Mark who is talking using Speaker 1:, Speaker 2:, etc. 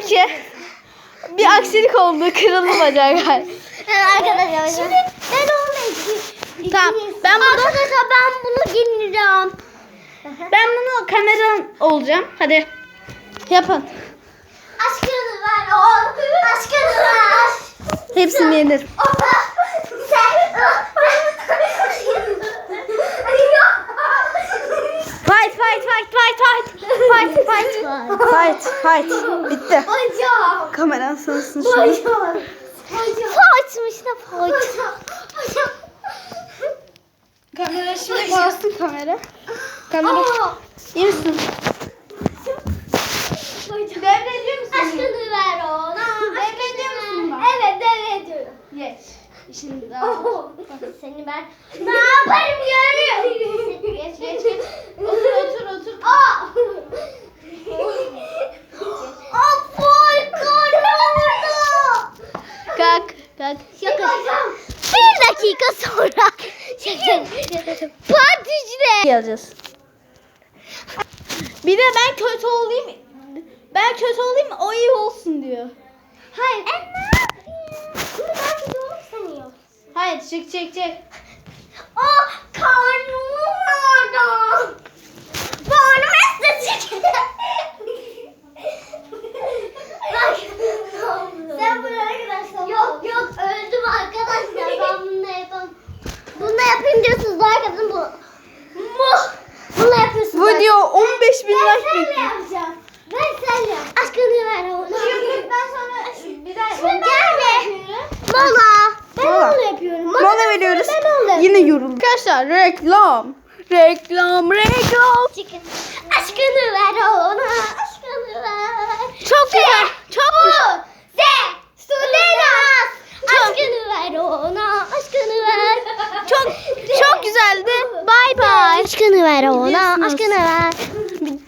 Speaker 1: ki bir aksilik oldu. Kırıldı bacağı galiba.
Speaker 2: Arkadaşlar şimdi ben olmayayım.
Speaker 1: Tamam. Ben burada
Speaker 2: Arkadaşlar ben bunu yeneceğim.
Speaker 1: ben bunu kameran olacağım. Hadi. Yapın.
Speaker 2: Aşkını ver oğlum. Aşkını ver.
Speaker 1: Hepsini yenir. Fight. Fight. Bitti.
Speaker 2: Hocam.
Speaker 1: Kameran sığsın şu.
Speaker 2: Hocam. Façmış da faç.
Speaker 1: Kamera şimdi bastı kamera. Kamera. İyi misin? Devrediyor musun?
Speaker 2: Aşkını ver ona.
Speaker 1: Devrediyor musun bak?
Speaker 2: Evet devrediyorum.
Speaker 1: Geç. Şimdi daha.
Speaker 2: Seni ben ne yaparım görüyorum.
Speaker 1: Geç. Otur. Kalk.
Speaker 2: Bir dakika sonra particiler
Speaker 1: Geleceğiz. Bir de ben kötü olayım. O iyi olsun diyor.
Speaker 2: Hayır ne yapayım? Bunu belki de olur sanıyor.
Speaker 1: Hayır çek.
Speaker 2: Karnım ağrıdı. Karnım estetik. Bak. Sen bunu arkadaşlar. Yok öldüm arkadaşlar. Ben bunu yapamam. Bunu yapayım diyorsunuz arkadaşlar. Bunu yapıyorsunuz.
Speaker 1: Video 15.000 like
Speaker 2: Ben
Speaker 1: bekliyor.
Speaker 2: yapacağım. Ben sen yap. Aşkını ver ona.
Speaker 1: Ben sonra bir daha
Speaker 2: Gelme. Mola. Ben
Speaker 1: Mola.
Speaker 2: onu yapıyorum.
Speaker 1: mola veriyoruz.
Speaker 2: Ben onu
Speaker 1: Yine yoruldu. Arkadaşlar reklam.
Speaker 2: Çıkın. Aşkını ver ona. Aşkını ver.
Speaker 1: Çok güzel. Çok güzel.
Speaker 2: Sudenas. Aşkını ver ona. Aşkını ver.
Speaker 1: Çok güzeldi. Bye bye.
Speaker 2: Aşkını ver ona.
Speaker 1: Biliyorsunuz.
Speaker 2: Aşkını ver.